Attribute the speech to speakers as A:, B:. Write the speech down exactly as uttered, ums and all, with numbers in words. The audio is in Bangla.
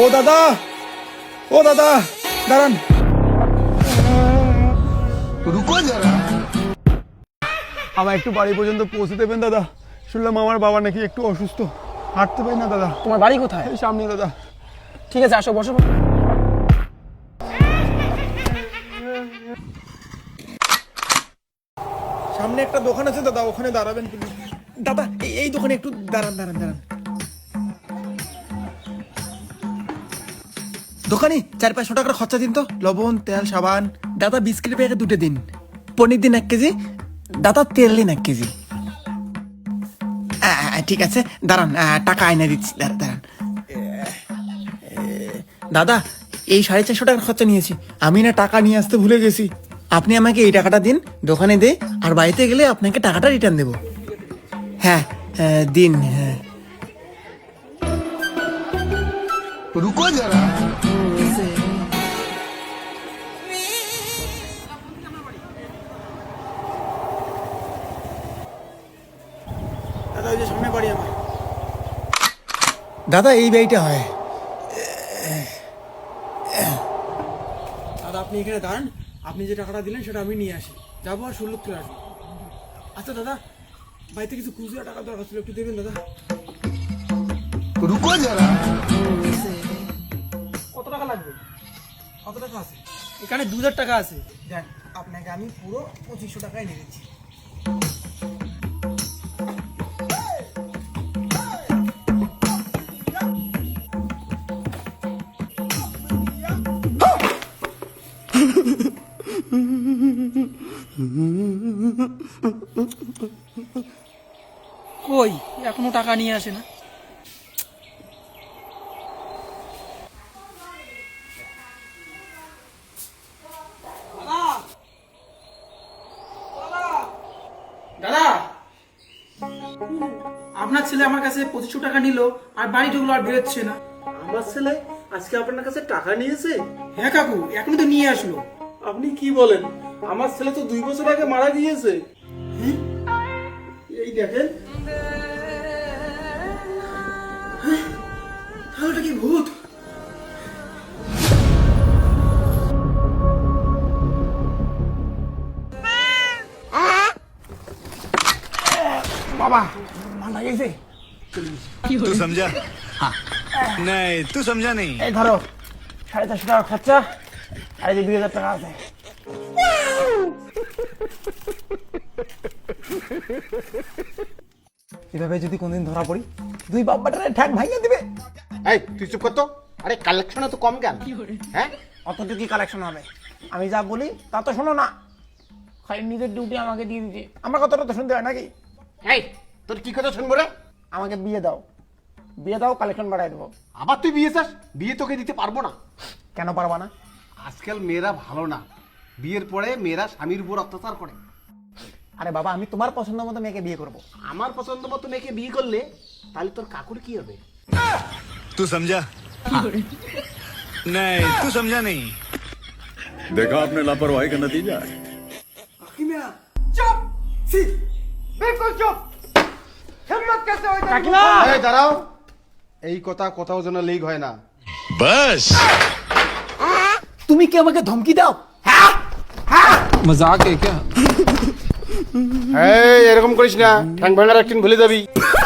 A: ও দাদা, ও দাদা দাঁড়ান।
B: রুকো যারা,
A: আমার একটু বাড়ি পর্যন্ত পৌঁছে দেবেন দাদা। শুনলাম আমার বাবা নাকি একটু অসুস্থ, হাঁটতে পারি না দাদা।
C: তোমার বাড়ি কোথায়?
A: এই সামনে দাদা।
C: ঠিক আছে, আসো বসো।
A: সামনে একটা দোকান আছে দাদা, ওখানে দাঁড়াবেন প্লিজ। দাদা এই- এই দোকানে একটু দাঁড়ান দাঁড়ান দাঁড়ান। দোকানে চার পাঁচশো টাকার খরচা দিন তো। লবণ, তেল, সাবান। দাদা বিস্কিট প্যাকেট দুটো দিন। পনির দিন এক কেজি। দাদা তেল দিন এক কেজি। আ, আ, ঠিক আছে দাঁড়ান, আ, টাকা আয়না দিচ্ছি, দাঁড়ান দাঁড়ান। দাদা এই সাড়ে চারশো টাকার খরচা নিয়েছি। আমি না টাকা নিয়ে আসতে ভুলে গেছি। আপনি আমাকে এই টাকাটা দিন, দোকানে দে, আর বাড়িতে গেলে আপনাকে টাকাটা রিটার্ন দেবো। হ্যাঁ হ্যাঁ, দিন। হ্যাঁ
B: রুকো যারা।
A: দাদা ওই যে সামনে বাড়ি আমার। দাদা এই বাড়িটা হয়। দাদা আপনি এখানে দাঁড়ান, আপনি যে টাকাটা দিলেন সেটা আমি নিয়ে আসি, যাবো আর ষোলো করে আসবো। আচ্ছা দাদা, বাড়িতে কিছু খুচরা টাকা দরকার ছিল, একটু দেবেন দাদা।
B: রুকো যারা।
A: কত টাকা লাগবে? কত টাকা আছে? এখানে দু হাজার টাকা আছে। দেখ আপনাকে আমি পুরো পঁচিশশো টাকায় নিয়ে দিচ্ছি।
C: কই এখনো টাকা নিয়ে আসে না? দাদা, আপনার ছেলে আমার কাছে পঁচিশশো টাকা নিল আর বাড়ি ঢুকলো আর বেরোচ্ছে না।
D: আমার ছেলে আজকে আপনার কাছে টাকা নিয়েছে?
C: হ্যাঁ কাকু, এখনই তো নিয়ে আসলো।
D: আপনি কি বলেন? আমার ছেলে তো দুই বছর আগে মারা গিয়েছে। এই দেখেন,
C: তাহলে কি ভূত?
A: বাবা মারা গেছে।
E: तू समझा? नहीं तू समझा नहीं।
A: এই ধরো সাড়ে চারশো টাকা খরচা, আর এই যে দুই হাজার টাকা আছে। এভাবে যদি কোনদিন ধরা পড়ি, দুই বাপ্পাটারে ঠ্যাক ভাঙিয়ে দিবে।
B: এই তুই চুপ কর তো। আরে কালেকশন তো কম কেন? হ্যাঁ
A: অতটুকুই কালেকশন হবে। আমি যা বলি তা তো শোনো না, খালি নিজের ডিউটি আমাকে দিয়ে দিচ্ছে। আমার কথাটা তো শুনতে হয় নাকি?
B: এই তোর কি কথা শুনবো রে?
A: আমাকে বিয়ে দাও, বিয়ে দাও, কালেকশন বাড়াই দেবো।
B: আবার তুই বিয়ে চাস? বিয়ে তোকে দিতে পারবো না।
A: কেন পারবা না?
B: আজকাল মেয়েরা ভালো না, বিয়ের পরে মেয়েরা স্বামীর উপর অত্যাচার করে।
A: আরে বাবা, আমি তোমার পছন্দ মতো মেয়েকে বিয়ে করবো।
B: আমার পছন্দ মতো মেয়েকে বিয়ে করলে তাহলে তোর কাকুর কি হবে?
E: तू समझा? नहीं तू समझा नहीं।
F: देखा आपने लापरवाही का नतीजा है।
A: চুপ! ছি! বিলকুল চুপ! হিম্মত कैसे হয় কাকিমা?
B: এই দাঁড়াও, এই কথা কোথাও যেন লিক হয় না।
E: बस
A: তুমি কি আমাকে ধমকি দাও?
C: মজাক है क्या?
B: এই এরকম করিস না, ঠ্যাং ভাঙার একদিন ভুলে যাবি।